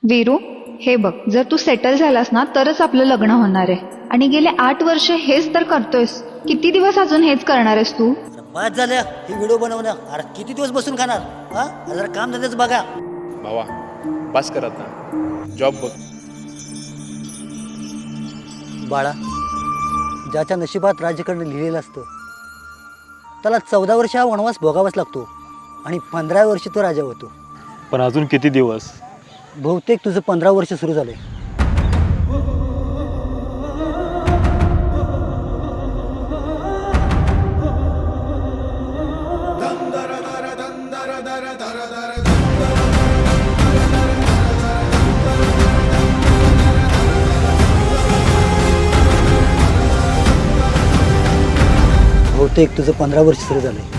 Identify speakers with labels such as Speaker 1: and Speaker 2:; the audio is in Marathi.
Speaker 1: वीरू, हे बघ, जर तू सेटल झालास ना तरच आपलं लग्न होणार आहे. आणि गेले 8 वर्ष हेच तर करतोयस. किती दिवस अजून हेच करणार आहेस तू?
Speaker 2: बाद झाल्या ही व्हिडिओ बनवणं. अरे किती दिवस बसून खाणार? हा, जरा काम धंद्याच बघा.
Speaker 3: भावा पास कर आता, जॉब बघ.
Speaker 2: बाळा, ज्याच्या नशिबात राज्य करणं लिहिलेलं असतं त्याला 14 वर्ष हा वनवास भोगावाच लागतो आणि 15 वर्ष तो राजा होतो.
Speaker 3: पण अजून किती दिवस?
Speaker 2: बहुतेक तुझं 15 वर्ष सुरू झालंय. बहुतेक तुझं 15 वर्ष सुरू झालंय.